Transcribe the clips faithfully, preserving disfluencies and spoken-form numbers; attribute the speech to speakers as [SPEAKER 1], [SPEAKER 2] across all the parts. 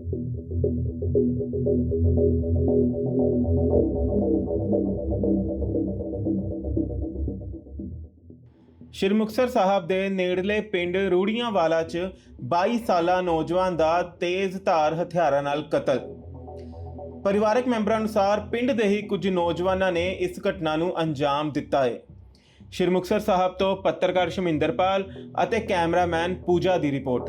[SPEAKER 1] ਸ਼੍ਰੀ ਮੁਕਤਸਰ ਸਾਹਿਬ ਦੇ ਨੇੜਲੇ ਪਿੰਡ ਰੂੜੀਆਂਵਾਲਾ 'ਚ ਬਾਈ ਸਾਲਾ ਨੌਜਵਾਨ ਦਾ ਤੇਜ਼ ਧਾਰ ਹਥਿਆਰਾਂ ਨਾਲ ਕਤਲ। ਪਰਿਵਾਰਕ ਮੈਂਬਰਾਂ ਅਨੁਸਾਰ ਪਿੰਡ ਦੇ ਹੀ ਕੁਝ ਨੌਜਵਾਨਾਂ ਨੇ ਇਸ ਘਟਨਾ ਨੂੰ ਅੰਜਾਮ ਦਿੱਤਾ ਹੈ। ਸ਼੍ਰੀ ਮੁਕਤਸਰ ਸਾਹਿਬ ਤੋਂ ਪੱਤਰਕਾਰ ਸ਼ਮਿੰਦਰਪਾਲ ਅਤੇ ਕੈਮਰਾਮੈਨ ਪੂਜਾ ਦੀ ਰਿਪੋਰਟ।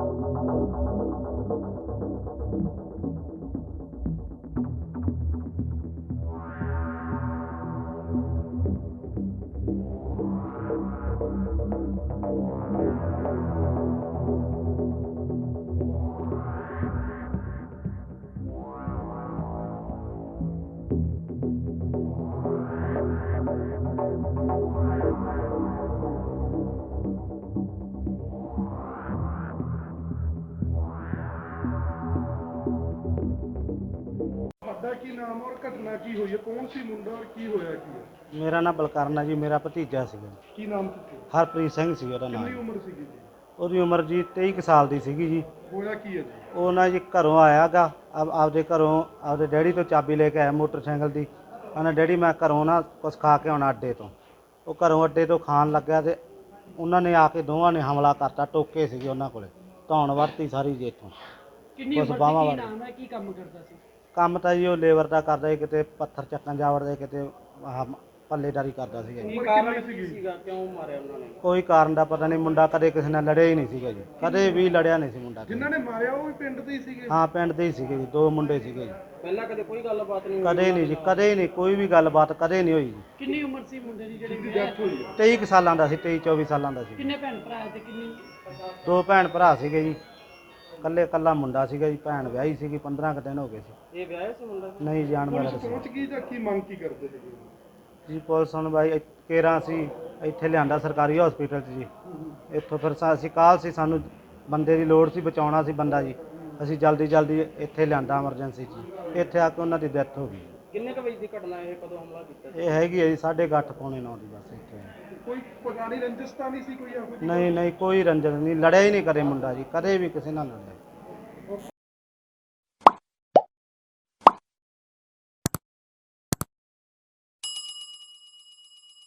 [SPEAKER 2] की नाम और घटना की हुई है, कौन सी मुंडा और की होया की है?
[SPEAKER 3] मेरा नाम बलकरण है जी, मेरा भतीजा सीगा।
[SPEAKER 2] की नाम की
[SPEAKER 3] हरप्रीत सिंह ਸੀ ਉਹਦਾ ਨਾਮ।
[SPEAKER 2] कितनी उम्र सी जी?
[SPEAKER 3] ਉਹਦੀ ਉਮਰ ਜੀ तेईस ਕੁ ਸਾਲ ਦੀ ਸੀਗੀ ਜੀ।
[SPEAKER 2] होया की है जी?
[SPEAKER 3] ਉਹ ਨਾ ਜੀ ਘਰੋਂ ਆਇਆਗਾ, ਆਪ ਆਪਦੇ ਘਰੋਂ ਆਪਦੇ ਡੈਡੀ ਤੋਂ ਚਾਬੀ ਲੈ ਕੇ ਆਇਆ ਮੋਟਰਸਾਈਕਲ ਦੀ। ਉਹਨੇ ਡੈਡੀ ਮੈਂ ਘਰੋਂ ਨਾ ਕੁਛ ਖਾ ਕੇ ਆਉਣਾ ਅੱਡੇ ਤੋਂ। ਉਹ ਘਰੋਂ ਅੱਡੇ ਤੋਂ ਖਾਣ ਲੱਗਿਆ ਤੇ ਉਹਨਾਂ ਨੇ ਆ ਕੇ ਦੋਵਾਂ ਨੇ ਹਮਲਾ ਕਰਤਾ। ਟੋਕੇ ਸੀਗੇ ਉਹਨਾਂ ਕੋਲੇ, ਧੌਣ ਵਰਤੀ ਸਾਰੀ ਜੀ ਇੱਥੋਂ।
[SPEAKER 4] ਕਿੰਨੀ ਉਮਰ ਸੀ, ਕੀ ਨਾਮ ਹੈ, ਕੀ ਕੰਮ ਕਰਦਾ ਸੀ? ਕੰਮ
[SPEAKER 3] ਤਾਂ ਜੀ ਉਹ ਲੇਬਰ ਦਾ ਕਰਦਾ ਸੀ, ਕਿਤੇ ਪੱਥਰ ਚੱਕਣ ਜਾ ਵੜਦਾ, ਕਿਤੇ ਆਹ ਪੱਲੇਦਾਰੀ ਕਰਦਾ ਸੀਗਾ ਜੀ।
[SPEAKER 4] ਕੀ ਕਾਰਨ ਕੀ ਸੀਗਾ, ਕਿਉਂ ਮਾਰਿਆ ਉਹਨਾਂ ਨੇ?
[SPEAKER 3] ਕੋਈ ਕਾਰਨ ਦਾ ਪਤਾ ਨਹੀਂ, ਮੁੰਡਾ ਕਦੇ ਕਿਸੇ ਨਾਲ ਲੜਿਆ ਹੀ ਨਹੀਂ ਸੀਗਾ ਜੀ, ਕਦੇ ਵੀ ਲੜਿਆ ਨਹੀਂ ਸੀ ਮੁੰਡਾ।
[SPEAKER 2] ਜਿਨ੍ਹਾਂ ਨੇ ਮਾਰਿਆ ਉਹ ਵੀ ਪਿੰਡ ਦੇ ਹੀ ਸੀਗੇ?
[SPEAKER 3] ਹਾਂ ਪਿੰਡ ਦੇ ਹੀ ਸੀਗੇ ਜੀ, ਦੋ ਮੁੰਡੇ ਸੀਗੇ ਜੀ।
[SPEAKER 4] ਪਹਿਲਾਂ ਕਦੇ ਕੋਈ ਗੱਲਬਾਤ ਨਹੀਂ?
[SPEAKER 3] ਕਦੇ ਨਹੀਂ ਜੀ, ਕਦੇ ਨਹੀਂ, ਕੋਈ ਵੀ ਗੱਲਬਾਤ ਕਦੇ ਨਹੀਂ ਹੋਈ ਜੀ।
[SPEAKER 4] ਕਿੰਨੀ ਉਮਰ ਸੀ ਮੁੰਡੇ ਦੀ ਜਿਹੜੀ
[SPEAKER 2] ਦੀ ਡੈਥ ਹੋਈ ਹੈ?
[SPEAKER 3] तेईस ਕੁ ਸਾਲਾਂ ਦਾ ਸੀ, तेईस चौबीस ਸਾਲਾਂ ਦਾ ਸੀ।
[SPEAKER 4] ਕਿੰਨੇ ਭੈਣ ਭਰਾ ਤੇ ਕਿੰਨੀ?
[SPEAKER 3] ਦੋ ਭੈਣ ਭਰਾ ਸੀਗੇ ਜੀ, ਕੱਲੇ ਕੱਲਾ ਮੁੰਡਾ ਸੀਗਾ ਜੀ। ਭੈਣ ਵਿਆਹੀ ਸੀਗੀ, ਪੰਦਰਾਂ ਕੁ ਦਿਨ ਹੋ ਗਏ ਸੀ।
[SPEAKER 4] ਇਹ ਵਿਆਹਿਆ ਸੀ ਮੁੰਡਾ?
[SPEAKER 3] ਨਹੀਂ ਜਾਣ ਵਾਲਾ
[SPEAKER 2] ਪੁਲਿਸ
[SPEAKER 3] ਸੀ
[SPEAKER 2] ਪਹੁੰਚ ਗਈ ਜਾਂ ਕੀ ਮੰਗ ਕੀ ਕਰਦੇ ਸੀਗੇ
[SPEAKER 3] ਜੀ। ਪੁਲਿਸ ਹੁਣ ਬਾਈ ਕੇਰਾਂ ਸੀ ਇੱਥੇ ਲਿਆਂਦਾ ਸਰਕਾਰੀ ਹਸਪੀਟਲ 'ਚ ਜੀ। ਇੱਥੋਂ ਫਿਰ ਸਾ- ਅਸੀਂ ਕਾਲ ਸੀ, ਸਾਨੂੰ ਬੰਦੇ ਦੀ ਲੋੜ ਸੀ, ਬਚਾਉਣਾ ਸੀ ਬੰਦਾ ਜੀ। ਅਸੀਂ ਜਲਦੀ ਜਲਦੀ ਇੱਥੇ ਲਿਆਂਦਾ ਐਮਰਜੈਂਸੀ 'ਚ। ਇੱਥੇ ਆ ਕੇ ਉਹਨਾਂ ਦੀ ਡੈਥ ਹੋ ਗਈ।
[SPEAKER 4] ਕਿੰਨੇ ਕੁ ਵਜੇ ਦੀ ਘਟਨਾ ਇਹ, ਕਦੋਂ ਹਮਲਾ ਕੀਤਾ?
[SPEAKER 3] ਇਹ ਹੈਗੀ ਹੈ ਜੀ ਸਾਢੇ ਕੁ ਅੱਠ ਪੌਣੇ ਨੌ ਦੀ ਬਸ ਇੱਥੇ।
[SPEAKER 2] ਕੋਈ ਪੁਰਾਣੀ ਰੰਜਿਸ਼ ਤਾਂ ਨਹੀਂ ਸੀ ਕੋਈ ਇਹੋ ਜਿਹੀ?
[SPEAKER 3] ਨਹੀਂ ਨਹੀਂ, ਕੋਈ ਰੰਜਨ ਨਹੀਂ, ਲੜਿਆ ਹੀ ਨਹੀਂ ਕਦੇ ਮੁੰਡਾ ਜੀ, ਕਦੇ ਵੀ ਕਿਸੇ ਨਾਲ ਲੜਿਆ।